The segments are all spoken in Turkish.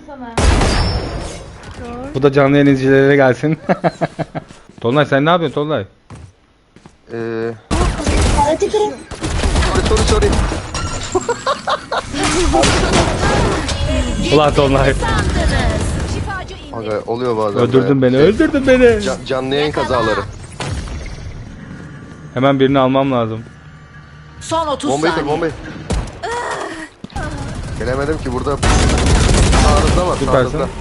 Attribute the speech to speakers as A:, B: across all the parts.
A: sana.
B: Bu da canlı yayın izleyicilere gelsin. Tolunay sen ne yapıyorsun Tolunay?
C: Paleti kırın.
D: Sorry.
B: Ulan Tolunay.
D: Aga oluyor bazen.
B: Öldürdün
D: böyle.
B: beni, öldürdün beni.
D: Canlı yayın kazaları.
B: Hemen birini almam lazım.
E: Son 30
D: Bombayı kır,
E: saniye.
D: bombayı. Gelemedim ki burada. Sağınızda var,
B: Süpersin.
D: sağınızda.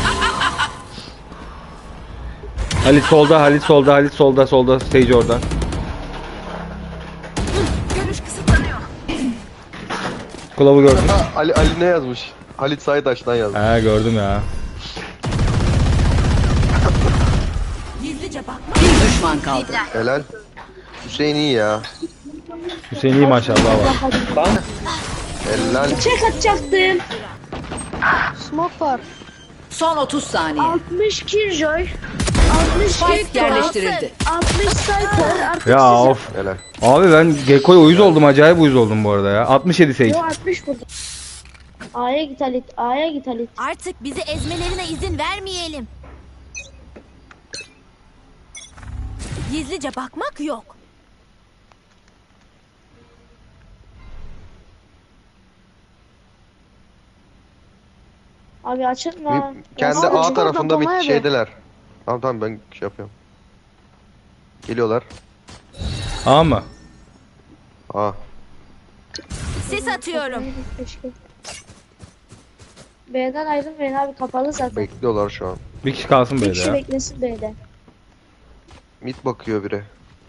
B: Halit solda, Halit solda, Halit solda, solda. Stage orada.
E: Görüş kısıtlanıyor.
B: Kulağı gördüm.
D: Ha, Ali ne yazmış? Halit Saydaş'tan yazmış.
B: He gördüm ya.
E: Gizlice bakma. Bir düşman kaldı.
D: Helal. Hüseyin iyi ya.
B: Hüseyin iyi maşallah var.
D: Helal.
C: Çek atacaktım. Smoke var.
E: Son 30 saniye.
C: 60 Killjoy. 60
E: Spike yerleştirildi.
C: 60 Cypher. 60
B: Ya of.
D: Helal.
B: Abi ben Gekko'ya uyuz oldum, acayip uyuz oldum bu arada ya. 67 Sage.
C: Yo 60 burada. A'ya git Halit. A'ya git Halit.
A: Artık bizi ezmelerine izin vermeyelim. Gizlice bakmak yok.
C: Abi açılma.
D: Kendi
C: Ya,
D: A
C: abi,
D: tarafında bir
C: abi.
D: şeydeler. Tamam ben şey yapıyorum. Geliyorlar.
B: A mı?
D: A.
A: Sis atıyorum.
C: Keşke. B'den ayrılmayın abi, kapalı zaten.
D: Bekliyorlar şu an.
B: Bir kişi kalsın
C: Bir
B: böyle
C: kişi
B: ya.
C: beklesin B'de.
D: Mid bakıyor biri.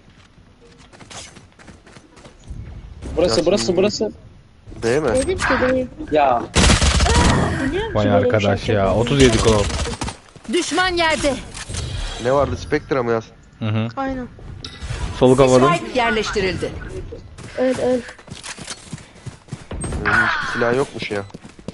F: Burası
D: Ya
F: burası
D: şimdi-
F: burası.
D: Değil mi?
C: Dedim ki değil.
F: Ya
C: Biliyor musun
B: Vay
C: böyle bir
B: arkadaş
C: şey
B: ya.
C: yapacağını?
B: 37 kulağı.
A: Düşman yerde.
D: Ne vardı? Spectre mı yazsın?
B: Hı hı.
C: Aynen.
B: Soluk havadım.
E: Spike yerleştirildi.
C: Öl.
D: Silah yokmuş ya.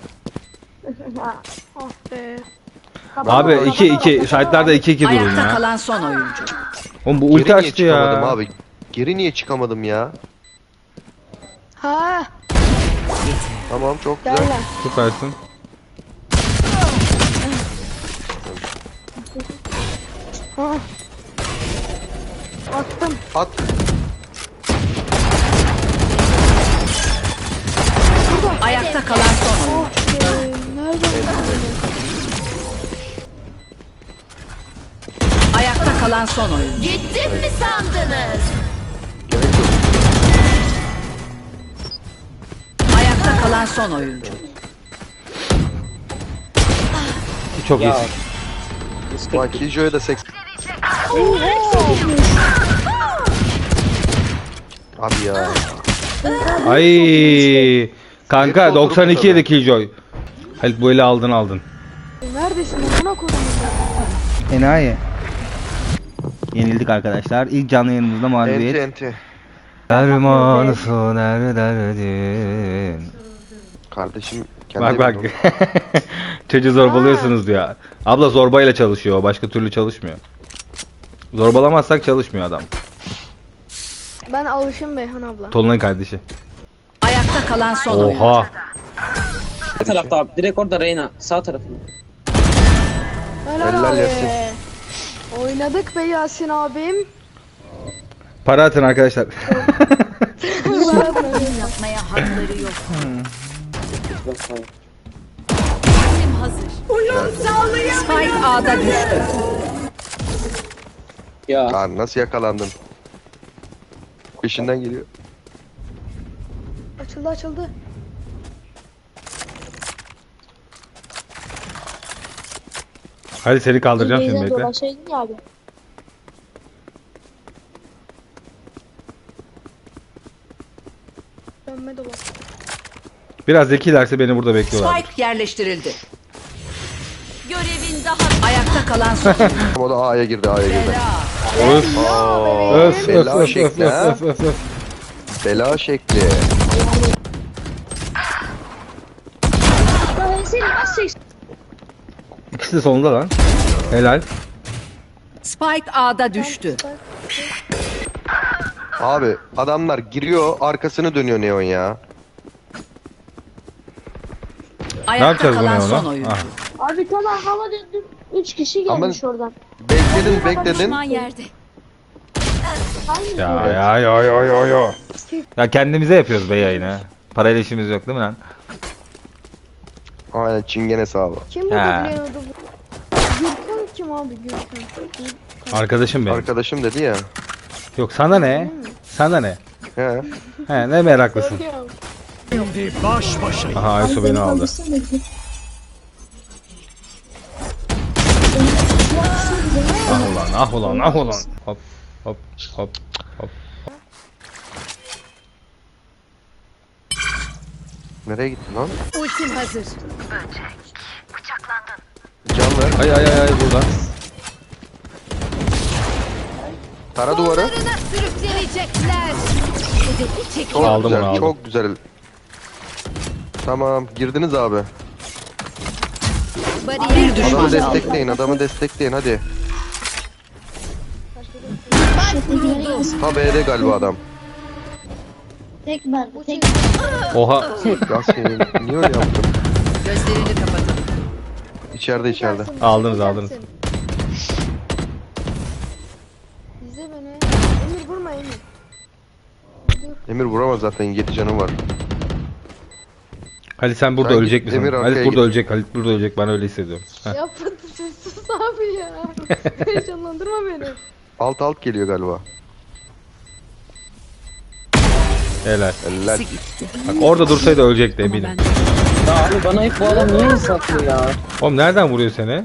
C: Ah be.
B: Abi 2-2. Site'larda 2-2 durun
E: Ayakta
B: ya.
E: kalan son oyuncu.
B: Oğlum bu
D: Geri
B: ulti
D: niye
B: açtı
D: çıkamadım
B: ya.
D: abi? Geri niye çıkamadım ya?
C: Ha.
D: Tamam çok
C: Gel
D: güzel.
C: lan.
B: Süpersin.
C: Ha. Attım.
D: At.
E: Ayakta kalan son oyuncu.
C: Nerede?
E: Ayakta kalan son oyuncu.
A: Gittim mi sandınız?
D: Gerek yok.
E: Ayakta kalan son oyuncu.
B: Çok
F: ya.
B: iyisin.
D: Bak Killjoy'a da 80. Abi ya.
B: Ay. Kanka
D: Hep
B: 92
D: oturup
B: yedi Killjoy. Halit bu eli aldın.
C: Neredesin? Buna koydum.
B: Enayi. Yenildik arkadaşlar. İlk canlı yayınımızda mağlubiyet.
D: Enti.
B: Dermanısı nerederdin?
D: Kardeşim kendi
B: Bak bak.
D: evinde
B: Çocuğu zorbalıyorsunuz diyor. Abla zorbayla çalışıyor. Başka türlü çalışmıyor. Zorbalamazsak çalışmıyor adam.
C: Ben alışım Beyhan abla.
B: Tolunay kardeşi.
E: Ayakta kalan son oyuncu.
B: Oha.
F: Ne tarafta abi? Direkt orada Reyna. Sağ tarafında.
D: Helal Yasin.
C: Oynadık be Yasin abim.
B: Para atın arkadaşlar.
A: Yapmaya hakları yok.
F: Bak, sağ.
A: Ultim hazır.
E: Spike A'da düştü.
F: Ya
D: Lan nasıl yakalandın? Peşinden geliyor.
C: Açıldı.
B: Hadi seni kaldıracağım şimdi bekle.
C: Dolaşaydın ya abi. Dönme dolaş.
B: Biraz zekilerse beni burada bekliyorlar.
E: Spike yerleştirildi.
A: Görevin daha
E: Ayakta kalan son oyuncu.
D: O da A'ya girdi.
B: Öf. Öf
D: Bela
B: öf
D: şekli, ha?
B: öf.
D: Bela şekli.
C: Ben seni nasıl
B: İkisi de sonunda lan. Helal.
E: Spike A'da düştü.
D: Abi adamlar giriyor arkasını dönüyor Neon ya.
B: Ne
E: Ayakta
B: yapacağız
E: kalan
B: bunu
E: son
B: ona?
E: oyuncu.
B: Ah.
C: Abi tamam hava döndüm. 3 kişi gelmiş oradan.
D: Bekledin.
A: Düşman yerde.
C: Hangi
B: Ya. Ya kendimize yapıyoruz be yayını. Parayla işimiz yok değil mi lan?
D: Aynen çingene sağlam.
C: Kim
B: He.
C: bu biliyordu bu? Gürkan kim abi Gürkan?
B: Arkadaşım benim.
D: Arkadaşım dedi ya.
B: Yok sana ne? Sana ne?
D: He.
B: He ne meraklısın.
C: Soruyorum.
B: Aha Aysu beni aldı. Ah ulan. Hop hop hop hop.
D: Nereye gittin lan?
A: Ultim hazır.
D: Can ver.
B: Ay burada.
D: Tara duvarı.
A: Sonlarına sürüklenecekler. Hedefi çek.
D: Çok
B: Aldım
D: güzel.
B: onu, aldım.
D: Çok güzel. Tamam girdiniz abi.
A: Bariyer
E: Bir düşman
D: Adamı destekleyin hadi. Ha B'de galiba adam.
C: Tek ben. Tek
B: Oha.
D: Yasemin niye öyle yaptın?
E: Gözlerini kapatın.
D: İçeride.
B: Aldınız.
C: İzle beni. Emir vurma Emir.
D: Emir vuramaz zaten 7 canı var.
B: Halit sen burada
D: Sen
B: ölecek
D: git,
B: misin?
D: Demir arkaya
B: Halit burada
D: git.
B: ölecek. Halit burada ölecek. Ben öyle hissediyorum. Heh.
C: Ya sus abi ya. Heyecanlandırma beni.
D: Alt geliyor galiba.
B: Helal.
D: Eller.
B: Bak orada dursaydı ölecekti eminim.
F: Ya abi bana hep bu adam niye hesaplıyor ya?
B: Oğlum nereden vuruyor seni?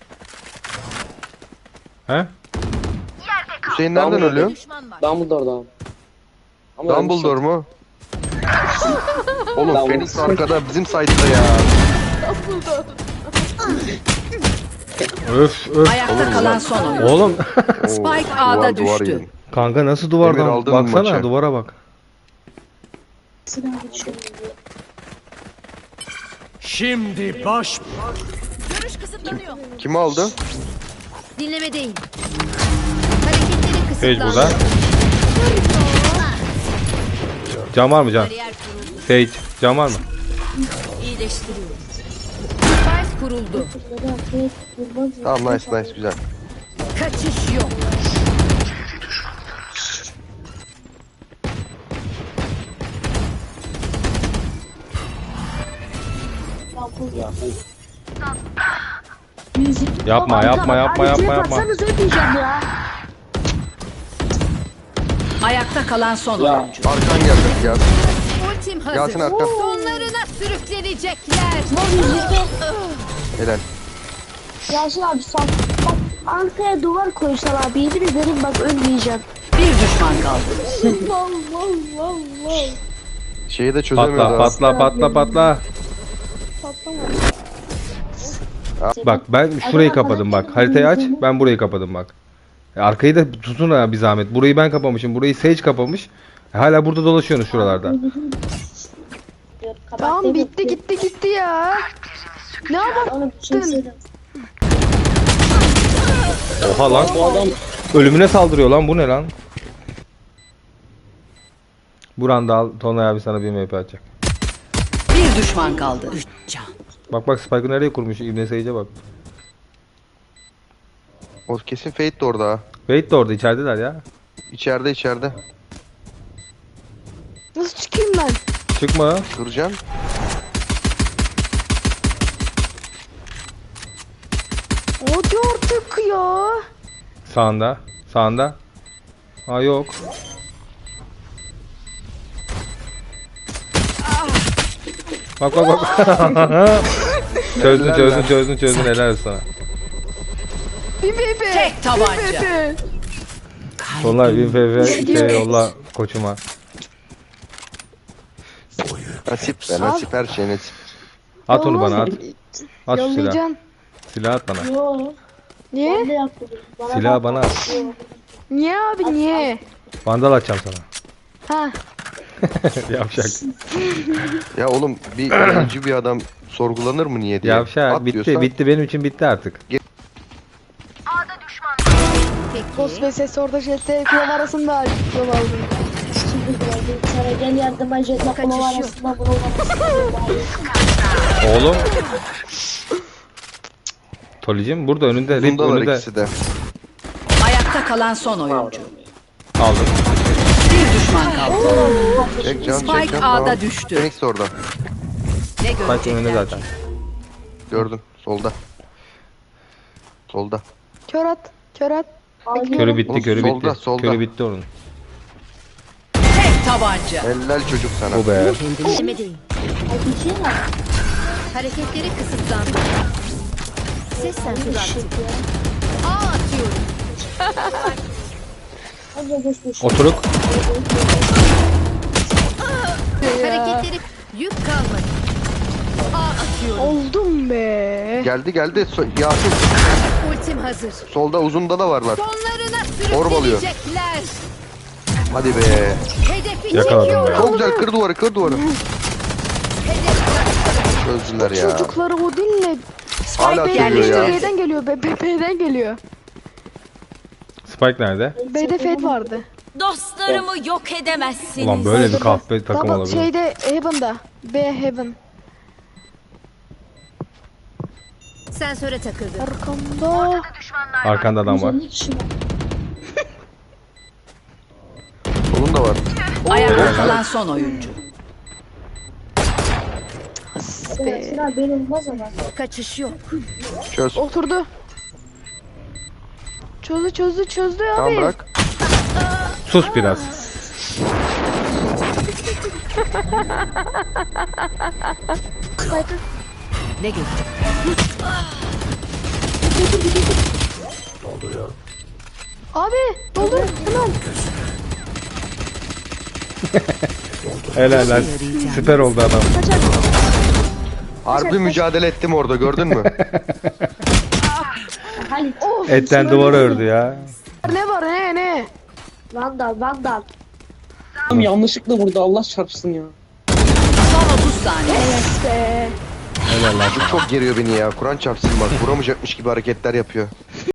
B: He?
D: Hüseyin nereden
F: Dumbledore.
D: ölüyor?
F: Dumbledore'dan. Ama
D: Dumbledore mu? Oğlum
F: Dumbledore.
D: Phoenix arkada bizim site'da ya.
B: Öf.
E: Ayakta kalan son oyun.
B: Oğlum.
E: Spike A'da
D: duvar
E: düştü.
D: yedim.
B: Kanka nasıl
D: Emir
B: duvardan?
D: aldın
B: Baksana
D: maçı.
B: duvara bak.
G: Şimdi baş
A: Görüş kısıtlanıyor.
D: Kim aldı?
A: Dinlemedeyim. Hareketleri
B: Sage
A: kısıtlanıyor.
B: burada. Can var mı can?
A: Bariyer kuruldu.
B: Sage can var mı?
A: İyileştiriyoruz. Spike kuruldu.
D: Tamam nice güzel.
A: Kaçış yok.
B: Yapma.
C: Öpeceğim ya.
E: Ayakta kalan son
F: Ya.
E: oyuncu.
D: Arkan gelecek ya.
A: Ultim hazır.
D: Yasin arkan.
A: Sonlarına sürüklenecekler.
D: Helal.
C: Yasin abi sen bak arkaya duvar koysan abi yemin ederim bak ölmeyeceğim.
E: Bir düşman kaldı.
C: Vav.
D: Şeyi de çözemiyoruz.
B: Patla. Bak ben şurayı kapadım bak. Haritayı aç. Ben burayı kapadım bak. Arkayı da tutun ha bir zahmet. Burayı ben kapamışım. Burayı Sage kapamış. Hala burada dolaşıyorsunuz şuralarda.
C: Tamam bitti gitti ya. Ne yapalım?
B: Oha lan.
F: Bu adam
B: Ölümüne saldırıyor lan. Bu ne lan? Buranda al. Tonlay abi sana bir MP atacak.
E: Bir düşman kaldı. Üç can.
B: Bak Spike'ı nereye kurmuş? İbne Sage'e bak.
D: O kesin Fate de orada ha.
B: Wait de orada içerideler ya.
D: İçeride.
C: Nasıl çıkayım ben?
B: Çıkma.
D: Kıracağım.
C: Hadi artık ya.
B: Sağında. Ha yok. Bak. çözdün helal olsun sana.
E: Tek tabanca.
B: Tonlay 1000 FF yolla koçuma.
D: Nasip her şey nasip.
B: At onu bana at. At şu silahı.
C: Yollayacaksın.
B: Silah at bana.
C: Niye?
B: Silahı bana at.
C: Niye abi niye?
B: Vandal atacağım sana.
C: Ha.
B: Yavşak.
D: Ya oğlum bir öncü bir adam sorgulanır mı niye diye.
B: Yavşak.
D: At
B: Bitti.
D: diyorsan-
B: Bitti. Benim için bitti artık.
C: Boss ve ses orada jetle kulağım arasında yol aldım. Sana gel yardıma jetle kulağım arasında bunu
B: Oğlum. Tolicim burada önünde. Rip
D: Bundalar
B: önünde.
D: ikisi de.
E: Ayakta kalan son oyuncu.
B: Aldım.
E: Bir düşman kaldı.
D: Çek can çek
E: Spike
D: can.
E: A'da
D: Tamam.
E: düştü.
D: Phoenix de orada.
E: Ne
B: Bak önünde
E: görecekler?
B: zaten.
D: Gördün. Solda. Solda.
C: Kör at. Kör at.
B: Körü bitti,
D: Oğlum,
B: körü
D: solda,
B: bitti.
D: solda.
B: Körü bitti onun.
E: Tek tabanca.
D: Helal çocuk sana.
B: Bu be.
A: Demedeyim. Hareketleri kısıtlandı. Ses sensörü aktif. A atıyorum.
B: Oturuk.
A: Hareketleri yük kalmadı. A atıyorum.
C: Oldum be.
D: Geldi geldi. Yasin.
A: Ultim hazır.
D: Solda uzunda da varlar.
A: Sonlarına
D: Orb alıyor.
A: sürükleyecekler.
D: Hadi be.
A: Hedefi
B: Yakaladım
A: çekiyorum.
B: be.
D: Çok güzel kır duvarı kır duvarı. Çözdüler ya.
C: Çocukları o dinle.
D: Hala
C: B'den
D: söylüyor
C: geliyor,
D: ya.
C: B'den geliyor. B'den geliyor.
B: Spike nerede?
C: B'de Fed vardı.
A: Dostlarımı yok edemezsiniz.
B: Ulan böyle bir kahpe takım
C: Double
B: olabilir.
C: şeyde Heaven'da. B Heaven.
A: Sensöre takıldı.
C: Arkamda.
B: Arkanda adam var.
D: Solun da var.
E: Ayakta kalan son oyuncu.
A: Kaçış yok.
D: Çöz.
C: Oturdu. Çözdü
D: Tamam
C: abi.
D: bırak.
B: Sus biraz.
E: Ne görecek?
C: Abi doldur hemen.
B: Helal lan. Süper oldu adam.
D: Harbi mücadele ettim orada gördün mü?
C: Of.
B: Etten duvar ördü ya.
C: Ne var ne?
H: Vandal.
F: Tam yanlışlıkla vurdu Allah çarpsın ya.
E: Son 30 saniye.
C: Be.
B: Helal lan.
D: Çok geriyor beni ya. Kur'an çarpsın bak. Vuramayacakmış gibi hareketler yapıyor.